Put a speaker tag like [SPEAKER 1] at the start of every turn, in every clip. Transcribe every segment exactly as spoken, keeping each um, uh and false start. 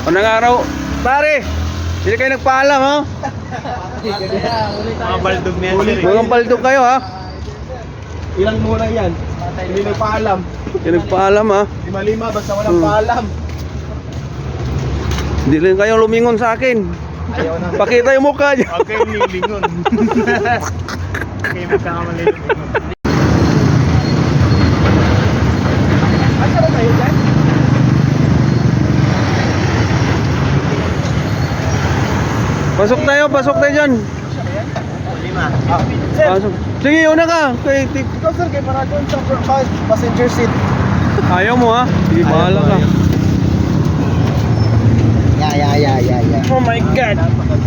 [SPEAKER 1] Unang araw. Pare, hindi kayo nagpaalam, ha?
[SPEAKER 2] Mga baldog na yan, sir.
[SPEAKER 1] Mga baldog kayo, ha?
[SPEAKER 2] Ilang muna yan? Hindi nagpaalam.
[SPEAKER 1] Hindi nagpaalam, ha?
[SPEAKER 2] Lima-lima, basta walang
[SPEAKER 1] Hmm.
[SPEAKER 2] paalam.
[SPEAKER 1] Hindi rin kayo lumingon sa akin.
[SPEAKER 2] Ayaw na.
[SPEAKER 1] Pakita yung mukha niyo.
[SPEAKER 2] Huwag kayong nilingon. Kayo magkakamali. Asa ba tayo dyan?
[SPEAKER 1] Pasok tayo, pasok tayo dyan.
[SPEAKER 2] Lima. Ah, sir,
[SPEAKER 1] Pasok. Sige, una ka. Kay, ti-
[SPEAKER 2] ikaw sir, kay para doon sa first passenger seat.
[SPEAKER 1] ayaw mo, ha? Sige,
[SPEAKER 2] Ayaw
[SPEAKER 1] bahala
[SPEAKER 2] mo,
[SPEAKER 1] ka.
[SPEAKER 2] ayaw. Yeah, yeah, yeah, yeah, yeah.
[SPEAKER 1] Oh my God.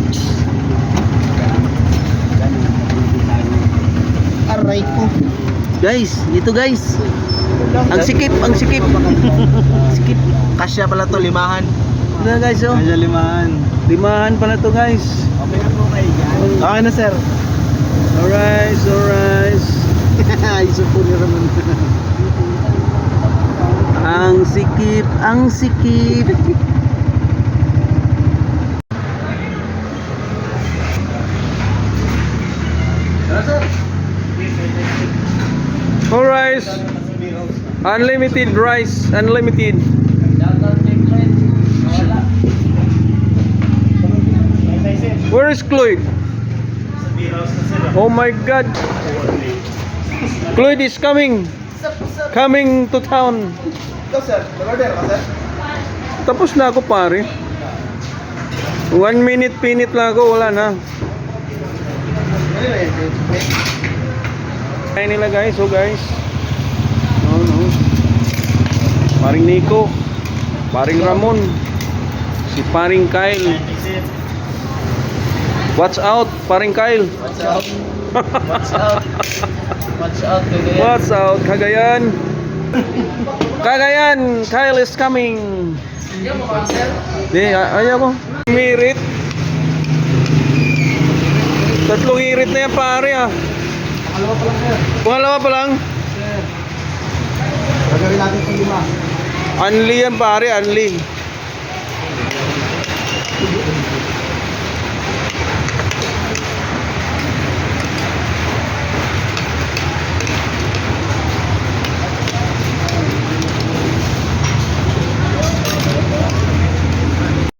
[SPEAKER 2] Aray ko.
[SPEAKER 1] Guys, ito guys. Ang sikip, ang sikip. Sikip.
[SPEAKER 2] Kasya pala to, limahan.
[SPEAKER 1] Ito guys, oh.
[SPEAKER 2] Kasya limahan.
[SPEAKER 1] Limahan pala to guys.
[SPEAKER 2] Okay na po kayo dyan. Okay na sir.
[SPEAKER 1] Alright, alright.
[SPEAKER 2] Iso po ni Ramon.
[SPEAKER 1] Ang sikip, ang sikip. Alright. Unlimited rice, unlimited. Where is Cloyd? Oh my God. Cloyd is coming. Coming to town.
[SPEAKER 2] Ikaw sir, nag-order ka sir?
[SPEAKER 1] Tapos na ako pare. One minute pinit lang ako, wala na. Kaya nila guys, oh guys. Oh no. Paring Nico, paring Ramon, si paring Kyle. Watch out, paring Kyle.
[SPEAKER 2] Watch out. Watch out. Watch out, Cagayan.
[SPEAKER 1] Watch out, Cagayan. Cagayan, Kyle is coming. Di, ay- ayaw ko. Mirit. Tatlong irit na yan pare ah.
[SPEAKER 2] Pangalawa pa lang sir.
[SPEAKER 1] Pangalawa pa lang.
[SPEAKER 2] Sir. Gagawin natin itong lima.
[SPEAKER 1] Unli yan pare, unli.